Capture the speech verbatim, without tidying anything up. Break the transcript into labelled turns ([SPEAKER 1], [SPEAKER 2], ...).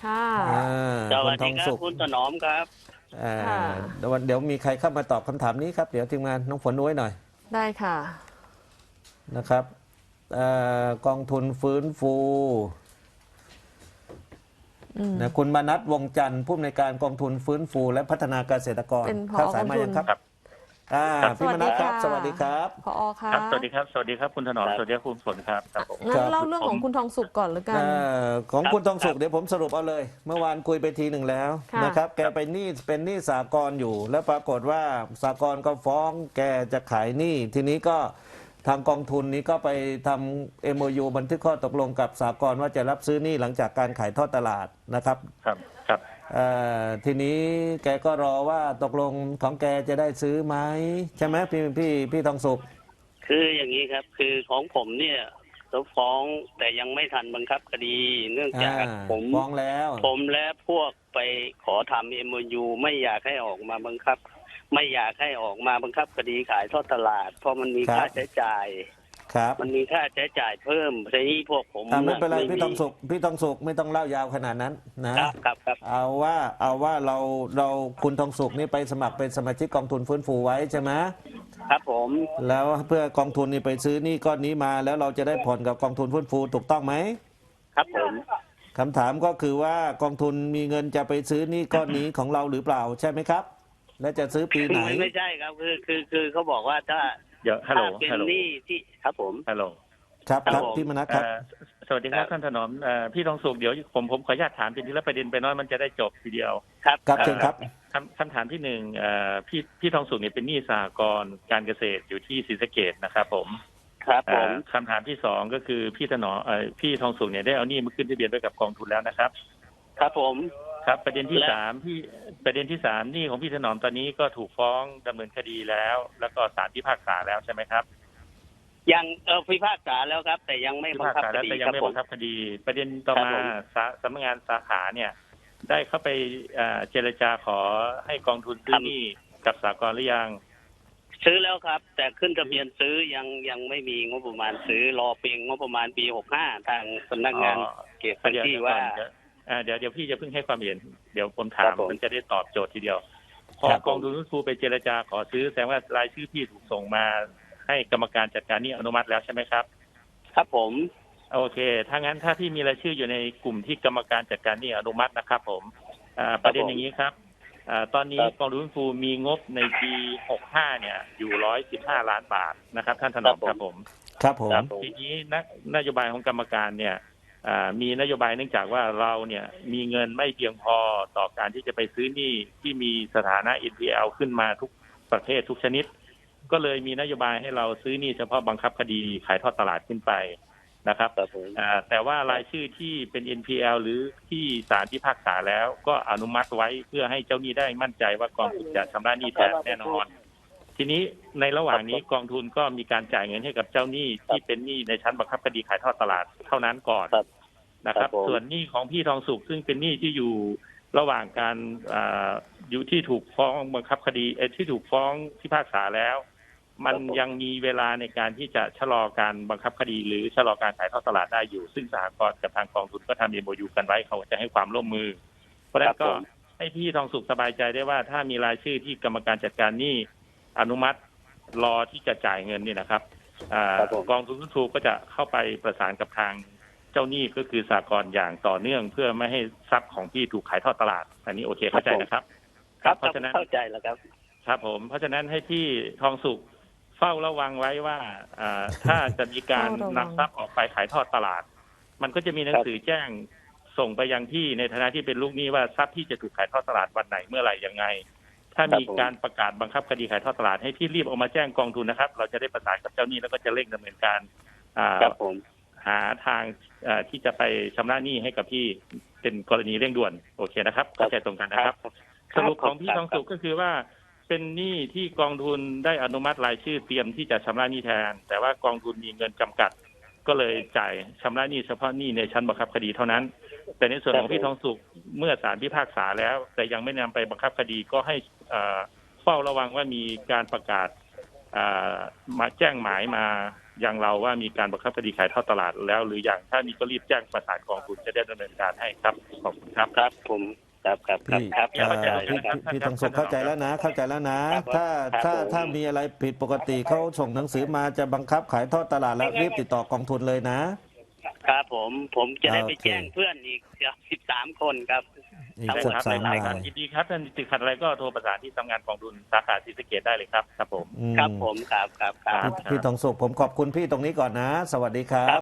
[SPEAKER 1] ค่ะ
[SPEAKER 2] สวัสดีครับคุณถนอมครับ
[SPEAKER 1] เดี๋ยว
[SPEAKER 3] เดี๋ยวมีใครเข้ามาตอบคำถามนี้ครับเดี๋ยวทีมงานน้องฝนไว้หน่อย
[SPEAKER 1] ได้ค่ะ
[SPEAKER 3] นะครับกองทุนฟื้นฟูนะคุณมนัสวงจันทร์ผู้อำนวยการกองทุนฟื้นฟูและพัฒนาเกษตรกร
[SPEAKER 1] เข้า
[SPEAKER 3] สายมายังครับพี่มนัสครับสวัสดีครับ
[SPEAKER 1] ผอค่ะ
[SPEAKER 4] สวัสดีครับสวัสดีครับคุณถนอมสวัสดีครับคุณฝนครับครับผม
[SPEAKER 1] งั้นเล่าเรื่องของคุณทองสุขก่อนหรือกัน
[SPEAKER 3] ของคุณทองสุขเดี๋ยวผมสรุปเอาเลยเมื่อวานคุยไปทีหนึ่งแล้วนะครับแกไปหนี้เป็นหนี้สหกรณ์อยู่แล้วปรากฏว่าสหกรณ์ก็ฟ้องแกจะขายหนี้ทีนี้ก็ทางกองทุนนี้ก็ไปทำ เอ็ม โอ ยู บันทึกข้อตกลงกับสหกรณ์ว่าจะรับซื้อหนี้หลังจากการขายทอดตลาดนะครับ
[SPEAKER 4] ครับครับ
[SPEAKER 3] ทีนี้แกก็รอว่าตกลงของแกจะได้ซื้อไหมใช่ไหมพี่พี่พี่ทองสุข
[SPEAKER 2] คืออย่างนี้ครับคือของผมเนี่ยเขาฟ้องแต่ยังไม่ทันบังคับคดีเนื่องจากผม
[SPEAKER 3] ฟ้องแล้ว
[SPEAKER 2] ผมและพวกไปขอทำ เอ็ม โอ ยู ไม่อยากให้ออกมาบังคับไม่อยากให้ออกมาบังคับคดีขายทอดตลาดเพราะมันมีค่าใช้จ่าย
[SPEAKER 3] ครับ
[SPEAKER 2] มันมีค่าใช้จ่ายเพิ่มทีนี้พวกผม
[SPEAKER 3] ไม่เป็นไรพี่ทองสุขพี่ทองสุขไม่ต้องเล่ายาวขนาดนั้น
[SPEAKER 2] นะครับครับ
[SPEAKER 3] เอาว่าเอาว่าเราเราคุณทองสุขนี่ไปสมัครเป็นสมาชิกกองทุนฟื้นฟูไว้ใช่ไหม
[SPEAKER 2] ครับผม
[SPEAKER 3] แล้วเพื่อกองทุนนี่ไปซื้อนี่ก้อนนี้มาแล้วเราจะได้ผ่อนกับกองทุนฟื้นฟูถูกต้องไหม
[SPEAKER 2] ครับผม
[SPEAKER 3] คำถามก็คือว่ากองทุนมีเงินจะไปซื้อนี่ก้อนนี้ของเราหรือเปล่าใช่ไหมครับและจะซื้อปีไหน
[SPEAKER 2] ไม่ใช่ครับคือคือคือเขาบอกว่าถ้า
[SPEAKER 4] เดี๋ยวฮัลโหล
[SPEAKER 2] เป็นหนี้ที่ครับผม
[SPEAKER 4] ฮัลโหล
[SPEAKER 3] ครับครับพี่มนัสครับ
[SPEAKER 4] สวัสดีครับท่านถนอมพี่ทองสุขเดี๋ยวผมผมขออนุญาตถามทีละประเด็นไปน้อยมันจะได้จบทีเดียว
[SPEAKER 2] ครับ
[SPEAKER 3] ครับเชิญครับ
[SPEAKER 4] คำคำถามที่หนึ่งพี่พี่ทองสุขเนี่ยเป็นหนี้สหกรณ์การเกษตรอยู่ที่ศรีสะเกษนะครับผม
[SPEAKER 2] ครับผม
[SPEAKER 4] คำถามที่สองก็คือพี่ถนอมพี่ทองสุขเนี่ยได้เอาหนี้มาขึ้นทะเบียนไว้กับกองทุนแล้วนะครับ
[SPEAKER 2] ครับผม
[SPEAKER 4] ครับประเด็นที่สามที่ประเด็นที่สามหนี้ของพี่ถนอมตอนนี้ก็ถูกฟ้องดำเนินคดีแล้วแล้วก็ศาลพิพากษาแล้วใช่ไหมครับ
[SPEAKER 2] ยังเออพิพากษาแล้วครับแต่ยังไม่บังคับคดี
[SPEAKER 4] แต่ยังไม่บังคับคดีประเด็นต่อมาสำนักงานสาขาเนี่ยได้เข้าไปเจรจาขอให้กองทุนซื้อหนี้กับสหกรณ์หรือยัง
[SPEAKER 2] ซื้อแล้วครับแต่ขึ้นทะเบียนซื้อยังยังไม่มีงบประมาณซื้อรอเพียงงบประมาณปีหกห้าทางสำนักงานเก็บพื้นที่ว่า
[SPEAKER 4] เดี๋ยวเดี๋ยวพี่จะเพิ่งให้ความเห็นเดี๋ยวผมถามมันจะได้ตอบโจทย์ทีเดียวพอกองทุนฟื้นฟูไปเจรจาขอซื้อแสดงว่ารายชื่อพี่ถูกส่งมาให้กรรมการจัดการหนี้อนุมัติแล้วใช่ไหมครับ
[SPEAKER 2] ครับผม
[SPEAKER 4] โอเคถ้างั้นถ้าพี่มีรายชื่ออยู่ในกลุ่มที่กรรมการจัดการหนี้อนุมัตินะครับผมประเด็นอย่างนี้ครับตอนนี้กองทุนฟื้นฟูมีงบในปีหกสิบห้าเนี่ยอยู่หนึ่งร้อยสิบห้าล้านบาทนะครับท่านถนอมครับผม
[SPEAKER 3] ครับผม
[SPEAKER 4] ทีนี้นโยบายของกรรมการเนี่ยมีนโยบายเนื่องจากว่าเราเนี่ยมีเงินไม่เพียงพอต่อการที่จะไปซื้อหนี้ที่มีสถานะ เอ็น พี แอล ขึ้นมาทุกประเภททุกชนิดก็เลยมีนโยบายให้เราซื้อหนี้เฉพาะบังคับคดีขายทอดตลาดขึ้นไปนะครับแต่ว่ารายชื่อที่เป็น เอ็น พี แอล หรือที่ศาลพิพากษาแล้วก็อนุมัติไว้เพื่อให้เจ้าหนี้ได้มั่นใจว่ากองทุนจะชำระหนี้แทนแน่นอนทีนี้ในระหว่างนี้กองทุนก็มีการจ่ายเงินให้กับเจ้าหนี้ที่เป็นหนี้ในชั้นบังคับคดีขายทอดตลาดเท่านั้นก่อนนะครับส่วนหนี้ของพี่ทองสุขซึ่งเป็นหนี้ที่อยู่ระหว่างการอยู่ที่ถูกฟ้องบังคับคดีที่ถูกฟ้องพิพากษาแล้วมันยังมีเวลาในการที่จะชะลอการบังคับคดีหรือชะลอการขายทอดตลาดได้อยู่ซึ่งสหกรณ์กับทางกองทุนก็ทำ เอ็ม โอ ยู กันไว้เขาจะให้ความร่วมมือเพราะฉะนั้นก็ให้พี่ทองสุขสบายใจได้ว่าถ้ามีรายชื่อที่กรรมการจัดการหนี้อนุมัติรอที่จะจ่ายเงินนี่นะครับกองทุนฟื้นฟูก็จะเข้าไปประสานกับทางเจ้าหนี้ก็คือสหกรณ์อย่างต่อเนื่องเพื่อไม่ให้ทรัพย์ของพี่ถูกขายทอดตลาดอันนี้โอเคเข้าใจนะครับ
[SPEAKER 2] ครับเพราะฉะนั้นเข้าใจแล้วครับ
[SPEAKER 4] ครับผมเพราะฉะนั้นให้พี่ทองสุขเฝ้าระวังไว้ว่าถ้าจะมีการนำทรัพย์ออกไปขายทอดตลาดมันก็จะมีหนังสือแจ้งส่งไปยังที่ในฐานะที่เป็นลูกหนี้ว่าทรัพย์ที่จะถูกขายทอดตลาดวันไหนเมื่อไหร่ยังไงถ้ามีการประกาศบังคับคดีขายทอดตลาดให้พี่รีบออกมาแจ้งกองทุนนะครับเราจะได้ประสานกับเจ้าหนี้แล้วก็จะเร่งดำเนินการหาทางที่จะไปชำระหนี้ให้กับพี่เป็นกรณีเร่งด่วนโอเคนะครับเข้าใจตรงกันนะครับสรุปของพี่ทองสุขก็คือว่าเป็นหนี้ที่กองทุนได้อนุมัติรายชื่อเตรียมที่จะชำระหนี้แทนแต่ว่ากองทุนมีเงินจำกัดก็เลยจ่ายชำระหนี้เฉพาะหนี้ในชั้นบังคับคดีเท่านั้นแต่ในส่วนของพี่ทองสุขเมื่อศาลพิพากษาแล้วแต่ยังไม่นำไปบังคับคดีก็ให้เฝ้าระวังว่ามีการประกาศมาแจ้งหมายมาอย่างเราว่ามีการบังคับคดีขายทอดตลาดแล้วหรืออย่างถ้ามีก็รีบแจ้งประสานกองทุนจะได้ดำเนินการให้ครับขอบคุณครับ
[SPEAKER 2] ครับผมครับครับครับ
[SPEAKER 3] พี่
[SPEAKER 2] ครับ
[SPEAKER 3] เอ่อ
[SPEAKER 2] เข้าใจ
[SPEAKER 3] พี่
[SPEAKER 2] ครับ
[SPEAKER 3] พี่พี่ทองสุขเข้าใจแล้วนะเข้าใจแล้วนะ
[SPEAKER 2] ครับ
[SPEAKER 3] ถ้า
[SPEAKER 2] ครับ
[SPEAKER 3] ถ้า
[SPEAKER 2] ผม
[SPEAKER 3] ถ้ามีอะไรผิดปกติเขาส่งหนังสือมาจะบังคับขายทอดตลาดแล้วรีบติดต่อกองทุนเลยนะครับ
[SPEAKER 2] ผมผมจะได้ไป
[SPEAKER 3] โอเค
[SPEAKER 2] แจ้งเพื่อนอีกสิบสามคนครับ
[SPEAKER 3] อีก
[SPEAKER 2] ครับ
[SPEAKER 3] สิบ
[SPEAKER 4] ครับ
[SPEAKER 3] สาม
[SPEAKER 4] ได้
[SPEAKER 3] ราย
[SPEAKER 4] ครับยินดีครับท่านติดขัดอะไรก็โทรประสานที่ทำงานกองทุนสาขาศรีสะเกษได้เลยครับครับผม
[SPEAKER 3] อืม
[SPEAKER 2] ครับผมครับครับครับ
[SPEAKER 3] พี่พี่ทองสุขผมขอบคุณพี่ตรงนี้ก่อนนะ สวัสดีครับ